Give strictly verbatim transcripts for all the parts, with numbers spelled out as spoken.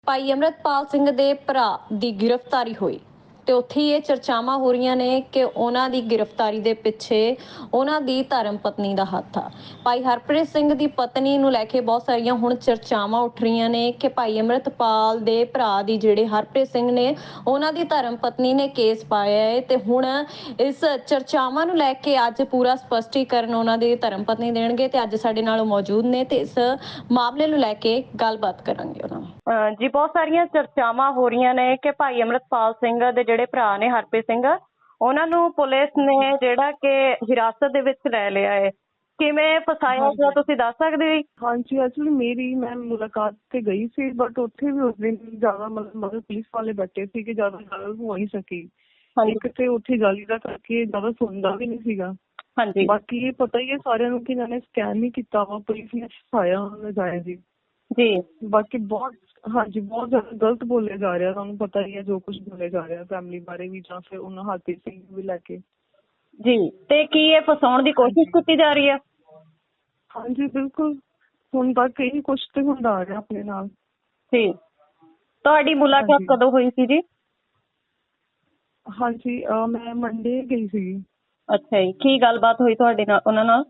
ਭਾਈ ਅੰਮ੍ਰਿਤਪਾਲ ਸਿੰਘ ਦੇ ਭਰਾ ਦੀ ਗ੍ਰਿਫਤਾਰੀ ਹੋਈ ਤੇ ਉੱਥੇ ਹੀ ਇਹ ਚਰਚਾਵਾਂ ਹੋ ਰਹੀਆਂ ਨੇ ਕਿ ਉਹਨਾਂ ਦੀ ਗ੍ਰਿਫਤਾਰੀ ਦੇ ਪਿੱਛੇ ਉਹਨਾਂ ਦੀ ਧਰਮ ਪਤਨੀ ਦਾ ਹੱਥ ਆ। ਭਾਈ ਹਰਪ੍ਰੀਤ ਸਿੰਘ ਦੀ ਪਤਨੀ ਨੂੰ ਲੈ ਕੇ ਬਹੁਤ ਸਾਰੀਆਂ ਹੁਣ ਚਰਚਾਵਾਂ ਉੱਠ ਰਹੀਆਂ ਨੇ ਕਿ ਭਾਈ ਅੰਮ੍ਰਿਤਪਾਲ ਦੇ ਭਰਾ ਦੀ ਜਿਹੜੇ ਹਰਪ੍ਰੀਤ ਸਿੰਘ ਨੇ ਉਹਨਾਂ ਦੀ ਧਰਮ ਪਤਨੀ ਨੇ ਕੇਸ ਪਾਇਆ ਹੈ ਤੇ ਹੁਣ ਇਸ ਚਰਚਾਵਾਂ ਨੂੰ ਲੈ ਕੇ ਅੱਜ ਪੂਰਾ ਸਪਸ਼ਟੀਕਰਨ ਉਹਨਾਂ ਦੀ ਧਰਮ ਪਤਨੀ ਦੇਣਗੇ ਤੇ ਅੱਜ ਸਾਡੇ ਨਾਲ ਮੌਜੂਦ ਨੇ ਤੇ ਇਸ ਮਾਮਲੇ ਨੂੰ ਲੈ ਕੇ ਗੱਲਬਾਤ ਕਰਾਂਗੇ ਉਹਨਾਂ ਨਾਲ। ਜੀ ਬਹੁਤ ਸਾਰੀਆਂ ਚਰਚਾਵਾਂ ਹੋ ਰਹੀਆਂ ਨੇ ਕਿ ਭਾਈ ਅੰਮ੍ਰਿਤਪਾਲ ਸਿੰਘ ਦੇ ਜਿਹੜੇ ਭਰਾ ਨੇ ਹਰਪ੍ਰੀਤ ਸਿੰਘ ਉਹਨਾਂ ਨੂੰ ਪੁਲਿਸ ਨੇ ਜਿਹੜਾ ਕਿ ਹਿਰਾਸਤ ਦੇ ਵਿੱਚ ਲੈ ਲਿਆ ਹੈ। ਕਿਵੇਂ ਫਸਾਇਆ ਗਿਆ ਤੁਸੀਂ ਦੱਸ ਸਕਦੇ ਹੋ? ਹਾਂਜੀ, ਐਕਚੁਅਲੀ ਮੇਰੀ ਮੈਂ ਮੁਲਾਕਾਤ ਤੇ ਗਈ ਸੀ ਬਟ ਉੱਥੇ ਵੀ ਉਸ ਦਿਨ ਜ਼ਿਆਦਾ ਮਤਲਬ ਮਤਲਬ ਪੁਲਿਸ ਵਾਲੇ ਬੈਠੇ ਸੀ ਕਿ ਜ਼ਿਆਦਾ ਗੱਲ ਹੋ ਨਹੀਂ ਸਕੀ। ਇੱਕ ਤੇ ਉੱਥੇ ਗਾਲੀ ਦਾ ਕਰਕੇ ਜ਼ਿਆਦਾ ਸੁਣਦਾ ਵੀ ਨਹੀਂ ਸੀਗਾ। ਹਾਂਜੀ, ਬਾਕੀ ਇਹ ਪਤਾ ਹੀ ਹੈ ਸਾਰਿਆਂ ਨੂੰ ਕਿ ਇਹਨਾਂ ਨੇ ਸਕੈਮ ਹੀ ਕੀਤਾ ਵਾ, ਪੁਲਿਸ ਨੇ ਫਸਾਇਆ ਨਜਾਇਜ਼ ਜੀ ਜੀ। ਬਾਕੀ ਬਹੁਤ ਹਾਂਜੀ ਬਹੁਤ ਜ਼ਿਆਦਾ ਗਲਤ ਬੋਲਿਆ ਜਾ ਰਿਹਾ, ਤੁਹਾਨੂੰ ਪਤਾ ਹੀ ਹੈ ਜੋ ਕੁਝ ਬੋਲਿਆ ਜਾ ਰਿਹਾ ਫੈਮਿਲੀ ਬਾਰੇ ਵੀ ਜਾਂ ਫਿਰ ਉਹਨਾਂ ਹਰਪ੍ਰੀਤ ਸਿੰਘ ਨੂੰ ਵੀ ਲੈ ਕੇ ਜੀ। ਤੇ ਕੀ ਇਹ ਫਸਾਉਣ ਦੀ ਕੋਸ਼ਿਸ਼ ਕੀਤੀ ਜਾ ਰਹੀ ਹੈ? ਹਾਂਜੀ ਬਿਲਕੁਲ, ਹੁਣ ਤੱਕ ਇਹੀ ਕੁਛ ਤੇ ਹੁੰਦਾ ਆ ਰਿਹਾ ਆਪਣੇ ਨਾਲ। ਜੀ, ਤੁਹਾਡੀ ਮੁਲਾਕਾਤ ਕਦੋਂ ਹੋਈ ਸੀ ਜੀ? ਹਾਂਜੀ ਮੈਂ ਮੰਡੇ ਗਈ ਸੀਗੀ। ਅੱਛਾ ਜੀ, ਕੀ ਗੱਲਬਾਤ ਹੋਈ ਤੁਹਾਡੇ ਨਾਲ ਉਹਨਾਂ ਨਾਲ?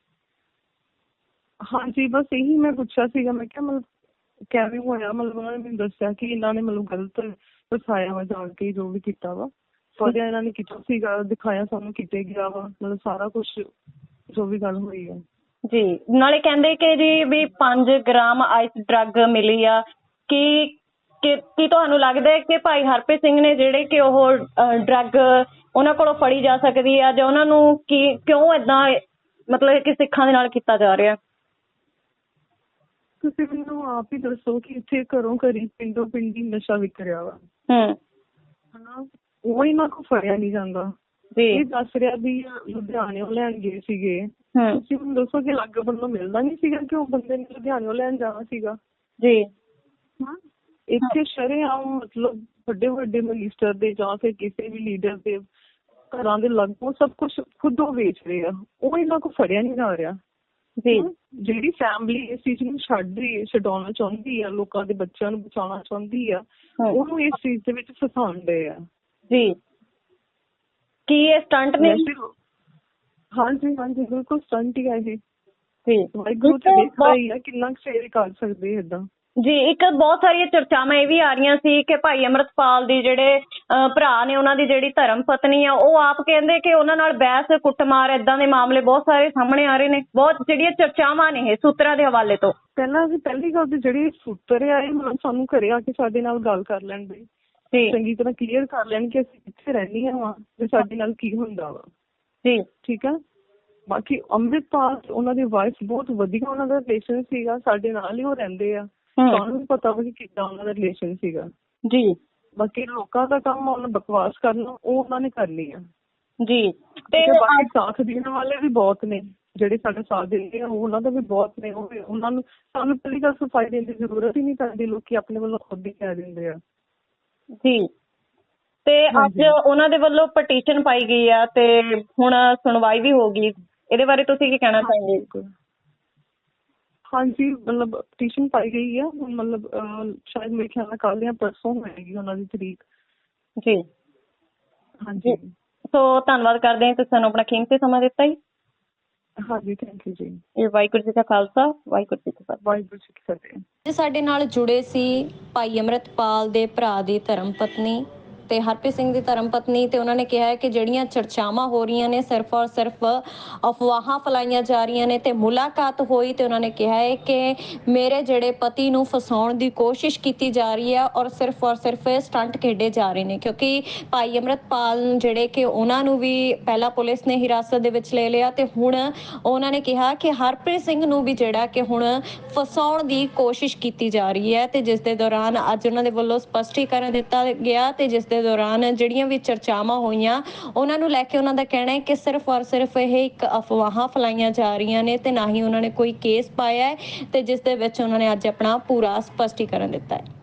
ਹਾਂਜੀ ਬਸ ਇਹੀ ਮੈਂ ਪੁੱਛਿਆ ਸੀਗਾ, ਮੈਂ ਕਿਹਾ ਮਤਲਬ ਕਿਵੇਂ ਹੋਇਆ, ਮਤਲਬ ਉਹਨਾਂ ਨੇ ਮੈਨੂੰ ਦੱਸਿਆ ਕਿ ਇਹਨਾਂ ਨੇ ਮਤਲਬ ਗਲਤ ਫਸਾਇਆ ਵਾ ਜਾਣ ਕੇ ਜੋ ਵੀ ਕੀਤਾ ਵਾ। ਫੜਿਆ ਇਹਨਾਂ ਨੇ ਕੀਤਾ ਸੀਗਾ, ਦਿਖਾਇਆ ਸਾਨੂੰ ਕਿਤੇ ਗਿਆ ਵਾ, ਮਤਲਬ ਸਾਰਾ ਕੁਛ ਜੋ ਵੀ ਗੱਲ ਹੋਈ ਹੈ ਜੀ। ਨਾਲੇ ਕਹਿੰਦੇ ਕਿ ਜੀ ਵੀ ਪੰਜ ਗ੍ਰਾਮ ਆਈਸ ਡਰੱਗ ਮਿਲੀ ਆ। ਕੀ ਕੀ ਤੁਹਾਨੂੰ ਲੱਗਦਾ ਹੈ ਕਿ ਭਾਈ ਹਰਪ੍ਰੀਤ ਸਿੰਘ ਨੇ ਜਿਹੜੇ ਕਿ ਉਹ ਡਰੱਗ ਉਹਨਾਂ ਕੋਲੋਂ ਫੜੀ ਜਾ ਸਕਦੀ ਆ ਜਾਂ ਉਹਨਾਂ ਨੂੰ ਕੀ ਕਿਉਂ ਏਦਾਂ ਮਤਲਬ ਕਿ ਸਿੱਖਾਂ ਦੇ ਨਾਲ ਕੀਤਾ ਜਾ ਰਿਹਾ? ਤੁਸੀਂ ਮੈਨੂੰ ਆਪ ਹੀ ਦੱਸੋ ਕਿ ਇੱਥੇ ਘਰੋਂ ਘਰੀ ਪਿੰਡੋਂ ਪਿੰਡੀ ਨਸ਼ਾ ਵਿਕ ਰਿਹਾ ਵਾ ਹਮ ਹਨਾ, ਉਹ ਇਹਨਾਂ ਕੋਲ ਫੜਿਆ ਨਹੀਂ ਜਾਂਦਾ। ਇਹ ਦੱਸ ਰਿਹਾ ਵੀ ਲੁਧਿਆਣਿਓਂ ਲੈਣ ਗਏ ਸੀਗੇ, ਤੁਸੀਂ ਮੈਨੂੰ ਦੱਸੋ ਕਿ ਲਾਗੇ ਬੰਨੋਂ ਮਿਲਦਾ ਨਹੀਂ ਸੀਗਾ ਕਿ ਉਹ ਬੰਦੇ ਨੇ ਲੁਧਿਆਣਿਓਂ ਲੈਣ ਜਾਣਾ ਸੀਗਾ ਜੀ। ਹਾਂ, ਇੱਥੇ ਸ਼ਰੇਆਮ ਮਤਲਬ ਵੱਡੇ ਵੱਡੇ ਮਿਨਿਸਟਰ ਦੇ ਜਾਂ ਫਿਰ ਕਿਸੇ ਵੀ ਲੀਡਰ ਦੇ ਘਰਾਂ ਦੇ ਲਗਭਗ ਸਭ ਕੁਛ ਖੁਦ ਉਹ ਵੇਚ ਰਹੇ ਆ, ਉਹ ਇਹਨਾਂ ਕੋਲ ਫੜਿਆ ਨਹੀਂ ਜਾ ਰਿਹਾ ਜੀ। ਜਿਹੜੀ ਫੈਮਿਲੀ ਇਸ ਚੀਜ਼ ਨੂੰ ਛੱਡ ਰਹੀ ਹੈ, ਛਡਾਉਣਾ ਚਾਹੁੰਦੀ ਆ, ਲੋਕਾਂ ਦੇ ਬੱਚਿਆਂ ਨੂੰ ਬਚਾਉਣਾ ਚਾਹੁੰਦੀ ਆ, ਉਹਨੂੰ ਇਸ ਚੀਜ਼ ਦੇ ਵਿੱਚ ਫਸਾਉਂਦੇ ਆ ਜੀ। ਕੀ ਇਹ ਸਟੰਟ ਨੇ? ਹਾਂਜੀ ਹਾਂਜੀ ਬਿਲਕੁਲ ਸਟੰਟ ਹੀ ਹੈ ਇਹ। ਜੀ, ਵਾਹਿਗੁਰੂ ਤੇ ਦੇਖਦਾ ਹੀ ਆ ਕਿੰਨਾ ਕੁ ਫੇਰ ਕਰ ਸਕਦੇ ਏਦਾਂ ਜੀ। ਇੱਕ ਬਹੁਤ ਸਾਰੀਆਂ ਚਰਚਾਵਾਂ ਇਹ ਵੀ ਆ ਰਹੀਆਂ ਸੀ ਕਿ ਭਾਈ ਅੰਮ੍ਰਿਤਪਾਲ ਦੀ ਜਿਹੜੇ ਭਰਾ ਨੇ ਉਹਨਾਂ ਦੀ ਜਿਹੜੀ ਧਰਮ ਪਤਨੀ ਆ ਉਹ ਆਪ ਕਹਿੰਦੇ ਕਿ ਉਹਨਾਂ ਨਾਲ ਬਹਿਸ ਕੁੱਟਮਾਰ ਏਦਾਂ ਦੇ ਮਾਮਲੇ ਬਹੁਤ ਸਾਰੇ ਸਾਹਮਣੇ ਆ ਰਹੇ ਨੇ। ਬਹੁਤ ਜਿਹੜੀਆਂ ਚਰਚਾਵਾਂ ਨੇ ਇਹ ਸੂਤਰਾਂ ਦੇ ਹਵਾਲੇ ਤੋਂ। ਪਹਿਲਾਂ ਅਸੀਂ ਪਹਿਲੀ ਗੱਲ ਤੇ ਜਿਹੜੀ ਸੂਤਰ ਆ ਇਹ ਮਤਲਬ ਸਾਨੂੰ ਘਰੇ ਆ ਕੇ ਸਾਡੇ ਨਾਲ ਗੱਲ ਕਰ ਲੈਣ ਬਈ, ਚੰਗੀ ਤਰ੍ਹਾਂ ਕਲੀਅਰ ਕਰ ਲੈਣ ਕਿ ਅਸੀਂ ਕਿੱਥੇ ਰਹਿੰਦੀਆਂ ਵਾ ਤੇ ਸਾਡੇ ਨਾਲ ਕੀ ਹੁੰਦਾ ਵਾ ਜੀ। ਠੀਕ ਆ। ਬਾਕੀ ਅੰਮ੍ਰਿਤਪਾਲ ਉਹਨਾਂ ਦੀ ਵਾਈਫ ਬਹੁਤ ਵਧੀਆ ਉਹਨਾਂ ਦਾ ਰਿਲੇਸ਼ਨ ਸੀਗਾ, ਸਾਡੇ ਨਾਲ ਹੀ ਉਹ ਰਹਿੰਦੇ ਆ, ਤੁਹਾਨੂੰ ਵੀ ਪਤਾ ਵਾ ਕਿ ਕਿੱਦਾਂ ਉਹਨਾਂ ਦਾ ਰਿਲੇਸ਼ਨ ਸੀਗਾ ਜੀ। ਬਾਕੀ ਲੋਕਾਂ ਦਾ ਕੰਮ ਉਹਨਾਂ ਬਕਵਾਸ ਕਰਨਾ ਉਹ ਉਹਨਾਂ ਨੇ ਕਰਨੀ ਆ ਜੀ। ਤੇ ਬਾਕੀ ਸਾਥ ਦੇਣ ਵਾਲੇ ਵੀ ਬਹੁਤ ਨੇ ਜਿਹੜੇ ਸਾਡਾ ਸਾਥ ਦਿੰਦੇ ਆ, ਉਹਨਾਂ ਦਾ ਵੀ ਬਹੁਤ ਨੇ। ਉਹ ਉਹਨਾਂ ਨੂੰ ਸਾਨੂੰ ਪਹਿਲੀ ਗੱਲ ਸਫਾਈ ਦੇਣ ਦੀ ਜ਼ਰੂਰਤ ਹੀ ਨਹੀਂ ਪੈਂਦੀ, ਲੋਕੀ ਆਪਣੇ ਵੱਲੋਂ ਖੁਦ ਹੀ ਕਹਿ ਦਿੰਦੇ ਆ ਜੀ। ਤੇ ਅੱਜ ਉਹਨਾਂ ਦੇ ਵੱਲੋਂ ਪਟੀਸ਼ਨ ਪਾਈ ਗਈ ਆ ਤੇ ਹੁਣ ਸੁਣਵਾਈ ਵੀ ਹੋ ਗਈ, ਇਹਦੇ ਬਾਰੇ ਤੁਸੀਂ ਕੀ ਕਹਿਣਾ ਚਾਹੋਗੇ? ਹਾਂਜੀ ਮਤਲਬ ਪਟੀਸ਼ਨ ਪਾਈ ਗਈ ਆ, ਮਤਲਬ ਸ਼ਾਇਦ ਮੇਰੇ ਖਿਆਲ ਨਾਲ ਕੱਲ੍ਹ ਜਾਂ ਪਰਸੋਂ ਹੋਏਗੀ ਉਹਨਾਂ ਦੀ ਤਰੀਕ ਜੀ। ਹਾਂਜੀ ਸੋ ਧੰਨਵਾਦ ਕਰਦੇ ਹਾਂ ਤੁਸੀਂ ਸਾਨੂੰ ਆਪਣਾ ਕੀਮਤੀ ਸਮਾਂ ਦਿੱਤਾ ਜੀ। ਹਾਂਜੀ ਥੈਂਕ ਯੂ ਜੀ। ਇਹ ਵਾਹਿਗੁਰੂ ਜੀ ਦਾ ਖਾਲਸਾ, ਵਾਹਿਗੁਰੂ ਜੀ ਕੀ ਫਤਿਹ। ਵਾਹਿਗੁਰੂ ਜੀ ਕੀ ਫਤਿਹ। ਸਾਡੇ ਨਾਲ ਜੁੜੇ ਸੀ ਭਾਈ ਅੰਮ੍ਰਿਤਪਾਲ ਦੇ ਭਰਾ ਦੀ ਧਰਮ ਪਤਨੀ ਤੇ ਹਰਪ੍ਰੀਤ ਸਿੰਘ ਦੀ ਧਰਮ ਪਤਨੀ, ਤੇ ਉਹਨਾਂ ਨੇ ਕਿਹਾ ਹੈ ਕਿ ਜਿਹੜੀਆਂ ਚਰਚਾਵਾਂ ਹੋ ਰਹੀਆਂ ਨੇ ਸਿਰਫ ਔਰ ਸਿਰਫ ਅਫਵਾਹਾਂ ਫੈਲਾਈਆਂ ਜਾ ਰਹੀਆਂ ਨੇ। ਤੇ ਮੁਲਾਕਾਤ ਹੋਈ ਤੇ ਉਹਨਾਂ ਨੇ ਕਿਹਾ ਹੈ ਕਿ ਮੇਰੇ ਜਿਹੜੇ ਪਤੀ ਨੂੰ ਫਸਾਉਣ ਦੀ ਕੋਸ਼ਿਸ਼ ਕੀਤੀ ਜਾ ਰਹੀ ਹੈ ਔਰ ਸਿਰਫ ਔਰ ਸਿਰਫ ਸਟੰਟ ਖੇਡੇ ਜਾ ਰਹੇ ਨੇ, ਕਿਉਂਕਿ ਭਾਈ ਅੰਮ੍ਰਿਤਪਾਲ ਜਿਹੜੇ ਕਿ ਉਹਨਾਂ ਨੂੰ ਵੀ ਪਹਿਲਾਂ ਪੁਲਿਸ ਨੇ ਹਿਰਾਸਤ ਦੇ ਵਿੱਚ ਲੈ ਲਿਆ ਤੇ ਹੁਣ ਉਹਨਾਂ ਨੇ ਕਿਹਾ ਕਿ ਹਰਪ੍ਰੀਤ ਸਿੰਘ ਨੂੰ ਵੀ ਜਿਹੜਾ ਕਿ ਹੁਣ ਫਸਾਉਣ ਦੀ ਕੋਸ਼ਿਸ਼ ਕੀਤੀ ਜਾ ਰਹੀ ਹੈ। ਤੇ ਜਿਸ ਦੇ ਦੌਰਾਨ ਅੱਜ ਉਹਨਾਂ ਦੇ ਵੱਲੋਂ ਸਪਸ਼ਟੀਕਰਨ ਦਿੱਤਾ ਗਿਆ ਤੇ ਜਿਸ ਦੇ ਦੌਰਾਨ ਜਿਹੜੀਆਂ ਵੀ ਚਰਚਾਵਾਂ ਹੋਈਆਂ ਉਹਨਾਂ ਨੂੰ ਲੈ ਕੇ ਉਹਨਾਂ ਦਾ ਕਹਿਣਾ ਹੈ ਕਿ ਸਿਰਫ ਔਰ ਸਿਰਫ ਇਹ ਇੱਕ ਅਫਵਾਹਾਂ ਫੈਲਾਈਆਂ ਜਾ ਰਹੀਆਂ ਨੇ ਤੇ ਨਾ ਹੀ ਉਹਨਾਂ ਨੇ ਕੋਈ ਕੇਸ ਪਾਇਆ ਹੈ, ਤੇ ਜਿਸ ਦੇ ਵਿੱਚ ਉਹਨਾਂ ਨੇ ਅੱਜ ਆਪਣਾ ਪੂਰਾ ਸਪਸ਼ਟੀਕਰਨ ਦਿੱਤਾ ਹੈ।